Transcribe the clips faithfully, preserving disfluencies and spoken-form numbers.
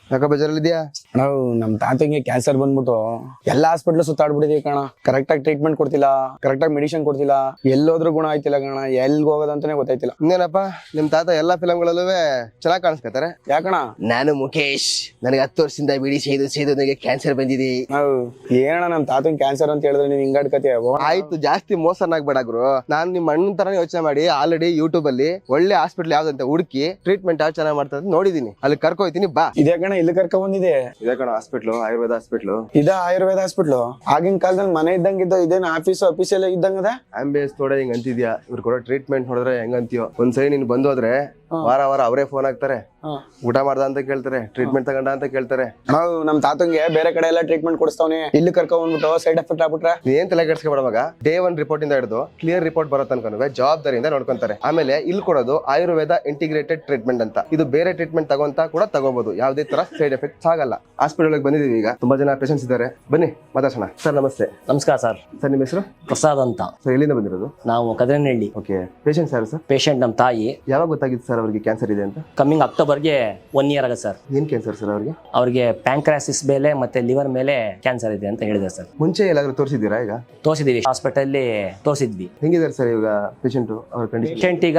ಯಾಕ ಬೇಜಾರಲ್ಲಿದ್ಯಾ? ನಾವು ನಮ್ ತಾತಂಗೆ ಕ್ಯಾನ್ಸರ್ ಬಂದ್ಬಿಟ್ಟು ಎಲ್ಲಾ ಹಾಸ್ಪಿಟ್ಲ್ ಸುತ್ತಾಡ್ಬಿಟ್ಟಿದೀವಿ ಕಣ. ಕರೆಕ್ಟ್ ಆಗಿ ಟ್ರೀಟ್ಮೆಂಟ್ ಕೊಡ್ತಿಲ್ಲ, ಕರೆಕ್ಟ್ ಆಗಿ ಮೆಡಿಸಿನ್ ಕೊಡ್ತಿಲ್ಲ, ಎಲ್ಲೋದ್ರೂ ಗುಣ ಆಯ್ತಿಲ್ಲ ಕಣ. ಎಲ್ಗ್ ಹೋಗೋದಂತಾನೆ ಗೊತ್ತಾಯ್ತಿಲ್ಲ. ಇನ್ನೇನಪ್ಪ ನಿಮ್ ತಾತ ಎಲ್ಲಾ ಫಿಲಂಗಳಲ್ಲೂ ಚೆನ್ನಾಗ್ ಕಾಣಿಸ್ಕೊತಾರೆ. ಯಾಕಣ? ನಾನು ಮುಖೇಶ್, ನನಗೆ ಹತ್ತು ವರ್ಷದಿಂದ ಬಿಡಿ ಸೇದು ಸೇದು ನನಗೆ ಕ್ಯಾನ್ಸರ್ ಬಂದಿದೆ. ನಾವು ಏನಣ್ಣ ನಮ್ ತಾತಂಗ್ ಕ್ಯಾನ್ಸರ್ ಅಂತ ಹೇಳಿದ್ರೆ ನೀನ್ ಹಿಂಗಾಡ್ಕತಿ. ಆಯ್ತು, ಜಾಸ್ತಿ ಮೋಸನಾಗ್ಬೇಡ ಗುರು. ನಾನು ನಿಮ್ಮ ಅಣ್ಣನ ತರ ಯೋಚನೆ ಮಾಡಿ ಆಲ್ರೆಡಿ ಯೂಟ್ಯೂಬ್ ಅಲ್ಲಿ ಒಳ್ಳೆ ಹಾಸ್ಪಿಟಲ್ ಯಾವ್ದಂತ ಹುಡುಕಿ ಟ್ರೀಟ್ಮೆಂಟ್ ಯಾವ್ದು ಚೆನ್ನಾಗಿ ಮಾಡ್ತಾ ನೋಡಿದೀನಿ. ಅಲ್ಲಿ ಕರ್ಕೊಯ್ತೀನಿ ಬಾ. ಇದೇ ಕಣ ಇಲ್ಲಿ ಕರ್ಕೊ ಬಂದಿದೆ. ಇದೇ ಕಣ ಹಾಸ್ಪಿಟ್ಲು, ಆಯುರ್ವೇದ ಹಾಸ್ಪಿಟ್ಲು. ಇದ ಆಯುರ್ವೇದ ಹಾಸ್ಪಿಟ್ಲು? ಆಗಿನ ಕಾಲದಲ್ಲಿ ಮನೆ ಇದ್ದಂಗಿದ್ದ, ಇದೇನು ಆಫೀಸ್ ಆಫೀಸ್ ಎಲ್ಲ ಇದ್ದಂಗದ? ಆಂಬಿಯನ್ಸ್ ನೋಡೋ ಹಿಂಗ್ ಅಂತಿದ್ಯಾ? ಇವ್ರು ಕೊಡೋ ಟ್ರೀಟ್ಮೆಂಟ್ ನೋಡಿದ್ರೆ ಹೆಂಗ್ ಅಂತೀಯೋ. ಒಂದ್ಸರಿ ನೀನ್ ಬಂದೋದ್ರೆ ವಾರ ವಾರ ಅವರೇ ಫೋನ್ ಹಾಕ್ತಾರೆ, ಊಟ ಮಾಡ್ದ ಅಂತ ಕೇಳ್ತಾರೆ, ಟ್ರೀಟ್ಮೆಂಟ್ ತಗೊಂಡ ಅಂತ ಕೇಳ್ತಾರೆ. ನಾವು ನಮ್ ತಾತಂಗೆ ಬೇರೆ ಕಡೆ ಎಲ್ಲ ಟ್ರೀಟ್ಮೆಂಟ್ ಕೊಡಿಸ್ತಾವನೆ, ಇಲ್ಲಿ ಕರ್ಕೊ ಬಂದ್ಬಿಟ್ಟು ಸೈಡ್ ಎಫೆಕ್ಟ್ ಆಗ್ಬಿಟ್ರೆ ಏನ್ ತಲೆ ಕೆಡ್ಸ್ಕೊಬೇಡ ಮಗ. ಡೇ ಒನ್ ರಿಪೋರ್ಟ್ ಇಂದ ಹಿಡಿದು ಕ್ಲಿಯರ್ ರಿಪೋರ್ಟ್ ಬರೋ ತನಕ ಜವಾಬ್ದಾರಿಯಿಂದ ನೋಡ್ಕೊಂತಾರೆ. ಆಮೇಲೆ ಇಲ್ಲಿ ಕೊಡೋದು ಆಯುರ್ವೇದ ಇಂಟಿಗ್ರೇಟೆಡ್ ಟ್ರೀಟ್ಮೆಂಟ್ ಅಂತ. ಇದು ಬೇರೆ ಟ್ರೀಟ್ಮೆಂಟ್ ತಗೊಂತ ಕೂಡ ತಗೋಬಹುದು, ಯಾವುದೇ ತರ ಸೈಡ್ ಎಫೆಕ್ಟ್ ಆಗಲ್ಲ. ಹಾಸ್ಪಿಟಲ್ ಬಂದಿದೀವಿ, ಈಗ ತುಂಬಾ ಜನ ಪೇಷಂಟ್ಸ್ ಇದ್ದಾರೆ, ಬನ್ನಿ ಮಾತಾಡ್ಸೋಣ. ಸರ್ ನಮಸ್ತೆ. ನಮಸ್ಕಾರ ಸರ್. ಸರ್ ನಿಮ್ಮ ಹೆಸರು? ಪ್ರಸಾದ್ ಅಂತ. ಸರ್ ಎಲ್ಲಿಂದ ಬಂದಿರೋದು? ನಾವು Kadaranahalli. Okay. Patient sir? Sir patient ನಮ್ಮ ತಾಯಿ. ಯಾವಾಗ ಗೊತ್ತಾಗಿತ್ತು ಸರ್ ಅವ್ರಿಗೆ ಕ್ಯಾನ್ಸರ್ ಇದೆ ಅಂತ? ಕಮ್ಮಿಂಗ್ ಅಕ್ಟೋಬರ್ಗೆ ಒನ್ ಇಯರ್ ಆಗುತ್ತೆ ಸರ್. ಏನ್ ಕ್ಯಾನ್ಸರ್ ಸರ್ ಅವ್ರಿಗೆ? ಅವ್ರಿಗೆ ಪ್ಯಾಂಕ್ರಾಸಿಸ್ ಮೇಲೆ ಮತ್ತೆ ಲಿವರ್ ಮೇಲೆ ಕ್ಯಾನ್ಸರ್ ಇದೆ ಅಂತ ಹೇಳಿದೆ ಸರ್. ಮುಂಚೆ ಎಲ್ಲಾದ್ರೂ ತೋರಿಸಿದ್ದೀರಾ? ಈಗ ತೋರಿಸಿದೀವಿ, ಹಾಸ್ಪಿಟಲ್ ತೋರಿಸಿದ್ವಿ. ಹೆಂಗಿದ್ದಾರೆ ಸರ್ ಇವಾಗ ಪೇಷಂಟ್? ಅವ್ರ ಕಂಡೀಷನ್? ಪೇಷಂಟ್ ಈಗ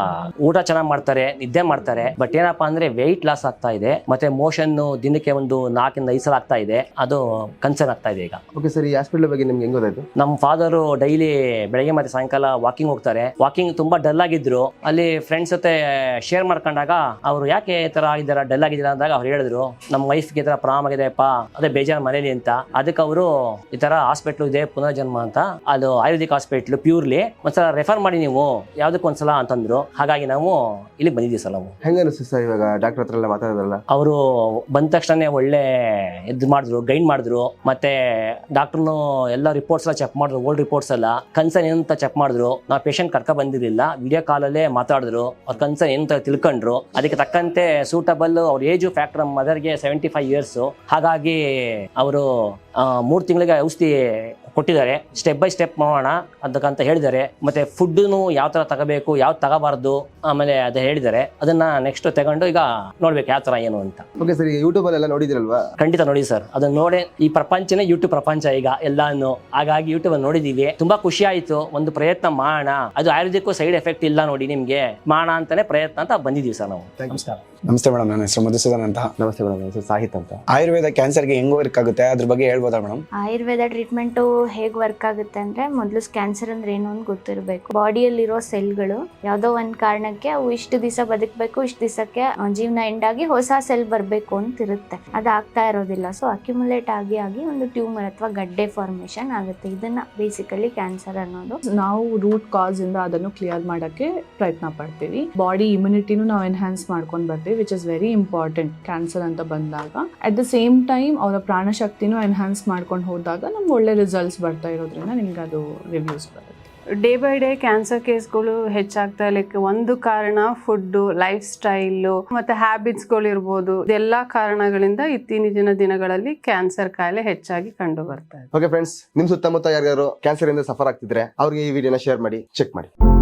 ಊಟ ಚೆನ್ನಾಗಿ ಮಾಡ್ತಾರೆ, ನಿದ್ದೆ ಮಾಡ್ತಾರೆ. ಬಟ್ ಏನಪ್ಪಾ ಅಂದ್ರೆ ವೆಯ್ಟ್ ಲಾಸ್ ಆಗ್ತಾ ಇದೆ, ಮತ್ತೆ ಮೋಷನ್ ದಿನಕ್ಕೆ ಒಂದು ನಾಲ್ಕಿಂದ ಐದು ಸಲ ಆಗ್ತಾ ಇದೆ. ಅದು ಕನ್ಸರ್ನ್ ಆಗ್ತಾ ಇದೆ ಈಗ. ಓಕೆ ಸರ್, ಈ ಹಾಸ್ಪಿಟಲ್ ಬಗ್ಗೆ ನಿಮ್ಗೆ ಹೆಂಗ್ ಗೊತ್ತಾಯ್ತು? ನಮ್ಮ ಫಾದರ್ ಡೈಲಿ ಬೆಳಗ್ಗೆ ಮತ್ತೆ ಸಾಯಂಕಾಲ ವಾಕಿಂಗ್ ಹೋಗ್ತಾರೆ. ವಾಕಿಂಗ್ ತುಂಬಾ ಡಲ್ ಆಗಿದ್ರು. ಅಲ್ಲಿ ಫ್ರೆಂಡ್ಸ್ ಜೊತೆ ಶೇರ್ ಮಾಡ್ಕೊಂಡಾಗ ಅವ್ರು ಯಾಕೆ ಈ ತರ ಆಗಿದಾರ, ಡಲ್ ಆಗಿದ್ದೀರಾ ಅಂದಾಗ ಅವ್ರು ಹೇಳಿದ್ರು, ನಮ್ಮ ವೈಫ್ಗೆ ಈ ತರ ಪ್ರಾಬ್ಲಮ್ ಆಗಿದೆಪ್ಪ, ಅದೇ ಬೇಜಾರು ಮನೇಲಿ ಅಂತ. ಅದಕ್ಕೆ ಅವರು ಈ ತರ ಹಾಸ್ಪಿಟ್ಲ್ ಇದೆ ಪುನರ್ಜನ್ಮ ಅಂತ, ಅದು ಆಯುರ್ವೇದಿಕ್ ಹಾಸ್ಪಿಟ್ಲ್ ಪ್ಯೂರ್ಲಿ, ಒಂದ್ಸಲ ರೆಫರ್ ಮಾಡಿ ನೀವು ಯಾವ್ದಕ್ಕೆ ಒಂದ್ಸಲ ಅಂತಂದ್ರು. ಹಾಗಾಗಿ ನಾವು ಇಲ್ಲಿ ಬಂದಿದ್ದೀವಿ ಸರ್. ನಾವು ಹೆಂಗ ಅನಿಸ್ತು ಸರ್ ಇವಾಗ ಡಾಕ್ಟರ್ ಹತ್ರ ಎಲ್ಲ ಮಾತಾಡೋದಲ್ಲ? ಅವರು ಬಂದ ತಕ್ಷಣ ಒಳ್ಳೆ ಇದು ಮಾಡಿದ್ರು, ಗೈಡ್ ಮಾಡಿದ್ರು. ಮತ್ತೆ ಡಾಕ್ಟರ್ನು ಎಲ್ಲ ರಿಪೋರ್ಟ್ಸ್ ಎಲ್ಲ ಚೆಕ್ ಮಾಡಿದ್ರು, ಓಲ್ಡ್ ರಿಪೋರ್ಟ್ಸ್ ಎಲ್ಲ. ಕನ್ಸರ್ನ್ ಏನಂತ ಚೆಕ್ ಮಾಡಿದ್ರು. ನಾವು ಪೇಷಂಟ್ ಕರ್ಕ ಬಂದಿರಲಿಲ್ಲ, ವಿಡಿಯೋ ಕಾಲಲ್ಲೇ ಮಾತಾಡಿದ್ರು. ಅವ್ರ ಕನ್ಸರ್ನ್ ಏನಂತ ತಿಳ್ಕೊಂಡ್ರು. ಅದಕ್ಕೆ ತಕ್ಕಂತೆ ಸೂಟಬಲ್ ಅವ್ರ ಏಜು ಫ್ಯಾಕ್ಟರ್ ಮದರ್ಗೆ ಸೆವೆಂಟಿ ಫೈವ್ ಇಯರ್ಸ್. ಹಾಗಾಗಿ ಅವರು ಮೂರು ತಿಂಗಳಿಗೆ ಔಷಧಿ ಕೊಟ್ಟಿದ್ದಾರೆ. ಸ್ಟೆಪ್ ಬೈ ಸ್ಟೆಪ್ ಮಾಡೋಣ ಅದಕ್ಕಂತ ಹೇಳಿದ್ದಾರೆ. ಮತ್ತೆ ಫುಡ್ನು ಯಾವ ತರ ತಗೋಬೇಕು, ಯಾವ್ದು ತಗೋಬಾರ್ದು, ಆಮೇಲೆ ಅದೇ ಹೇಳಿದ್ದಾರೆ. ಅದನ್ನ ನೆಕ್ಸ್ಟ್ ತಗೊಂಡು ಈಗ ನೋಡ್ಬೇಕು ಯಾವ ತರ ಏನು ಅಂತ. ಓಕೆ ಸರ್, ಯೂಟ್ಯೂಬ್ ಅಲ್ಲೆಲ್ಲ ನೋಡಿದಿರಲ್ವಾ? ಖಂಡಿತ ನೋಡಿ ಸರ್. ಅದನ್ನ ನೋಡಿ ಈ ಪ್ರಪಂಚನೇ ಯೂಟ್ಯೂಬ್ ಪ್ರಪಂಚ ಈಗ ಎಲ್ಲಾನು. ಹಾಗಾಗಿ ಯೂಟ್ಯೂಬ್ ಅಲ್ಲಿ ನೋಡಿದೀವಿ, ತುಂಬಾ ಖುಷಿ ಆಯ್ತು. ಒಂದು ಪ್ರಯತ್ನ ಮಾಡೋಣ, ಅದು ಆಯುರ್ವೇದಿಕ್ಕೂ ಸೈಡ್ ಎಫೆಕ್ಟ್ ಇಲ್ಲ ನೋಡಿ ನಿಮ್ಗೆ, ಮಾಡೋಣ ಅಂತಾನೆ ಪ್ರಯತ್ನ ಅಂತ ಬಂದಿದೀವಿ ಸರ್ ನಾವು. ನಮಸ್ಕಾರ. ನಮಸ್ತೆ ಮೇಡಮ್, ನನ್ನ ಹೆಸರು ಮಧುಸೂದನ್ ಅಂತ. ನಮಸ್ತೆ ಮೇಡಮ್, ನನ್ನ ಹೆಸರು ಸಾಹಿತ್ ಅಂತ. ಆಯುರ್ವೇದ ಕ್ಯಾನ್ಸರ್ಗೆ ಹೆಂಗ್ ವರ್ಕ್ ಆಗುತ್ತೆ ಅದ್ರ ಬಗ್ಗೆ ಹೇಳ್ಬೋದಾ ಮೇಡಮ್? ಆಯುರ್ವೇದ ಟ್ರೀಟ್ಮೆಂಟ್ ಹೇಗ್ ವರ್ಕ್ ಆಗುತ್ತೆ ಅಂದ್ರೆ, ಮೊದಲು ಕ್ಯಾನ್ಸರ್ ಅಂದ್ರೆ ಏನು ಅಂತ ಗೊತ್ತಿರಬೇಕು. ಬಾಡಿಯಲ್ಲಿರೋ ಸೆಲ್ಗಳು ಯಾವ್ದೋ ಒಂದ್ ಕಾರಣಕ್ಕೆ ಅವು ಇಷ್ಟು ದಿವಸ ಬದುಕಬೇಕು, ಇಷ್ಟು ದಿವಸಕ್ಕೆ ಜೀವನ ಎಂಡ್ ಆಗಿ ಹೊಸ ಸೆಲ್ ಬರ್ಬೇಕು ಅಂತ ಇರುತ್ತೆ. ಅದು ಆಗ್ತಾ ಇರೋದಿಲ್ಲ. ಸೊ ಅಕ್ಯುಮುಲೇಟ್ ಆಗಿ ಆಗಿ ಒಂದು ಟ್ಯೂಮರ್ ಅಥವಾ ಗಡ್ಡೆ ಫಾರ್ಮೇಶನ್ ಆಗುತ್ತೆ. ಇದನ್ನ ಬೇಸಿಕಲಿ ಕ್ಯಾನ್ಸರ್ ಅನ್ನೋದು. ನಾವು ರೂಟ್ ಕಾಸ್ ಇಂದ ಅದನ್ನು ಕ್ಲಿಯರ್ ಮಾಡಕ್ಕೆ ಪ್ರಯತ್ನ ಪಡ್ತೀವಿ. ಬಾಡಿ ಇಮ್ಯುನಿಟಿನೂ ನಾವು ಎನ್ಹಾನ್ಸ್ ಮಾಡ್ಕೊಂಡು ಬರ್ತೀವಿ, which is very important cancer ಅಂತ ಬಂದಾಗ. ಅಟ್ ದ ಸೇಮ್ ಟೈಮ್ ಅವರ ಪ್ರಾಣಶಕ್ತಿನೂ ಎನ್ಹಾನ್ಸ್ ಮಾಡ್ಕೊಂಡು ಹೋದಾಗ ನಮ್ಗೆ ಒಳ್ಳೆ ರಿಸಲ್ಟ್ಸ್ ಬರ್ತಾ ಇರೋದ್ರಿಂದ ನಿಮ್ಗೆ ಅದು ರಿವ್ಯೂಸ್ ಬರುತ್ತೆ. ಡೇ ಬೈ ಡೇ ಕ್ಯಾನ್ಸರ್ ಕೇಸ್ಗಳು ಹೆಚ್ಚಾಗ್ತಾ ಇರಲಿಕ್ಕೆ ಒಂದು ಕಾರಣ ಫುಡ್, ಲೈಫ್ ಸ್ಟೈಲು ಮತ್ತೆ ಹ್ಯಾಬಿಟ್ಸ್ಗಳು ಇರ್ಬೋದು. ಇದೆಲ್ಲ ಕಾರಣಗಳಿಂದ ಇತ್ತೀಚಿನ ದಿನಗಳಲ್ಲಿ ಕ್ಯಾನ್ಸರ್ ಕಾಯಿಲೆ ಹೆಚ್ಚಾಗಿ ಕಂಡು ಬರ್ತಾ ಇದೆ. ಓಕೆ ಫ್ರೆಂಡ್ಸ್, ನಿಮ್ ಸುತ್ತಮುತ್ತ ಯಾರ್ಯಾರು ಕ್ಯಾನ್ಸರ್ ಇಂದ ಸಫರ್ ಆಗ್ತಿದ್ರೆ ಅವ್ರಿಗೆ ಈ ವಿಡಿಯೋನ ಶೇರ್ ಮಾಡಿ, ಚೆಕ್ ಮಾಡಿ.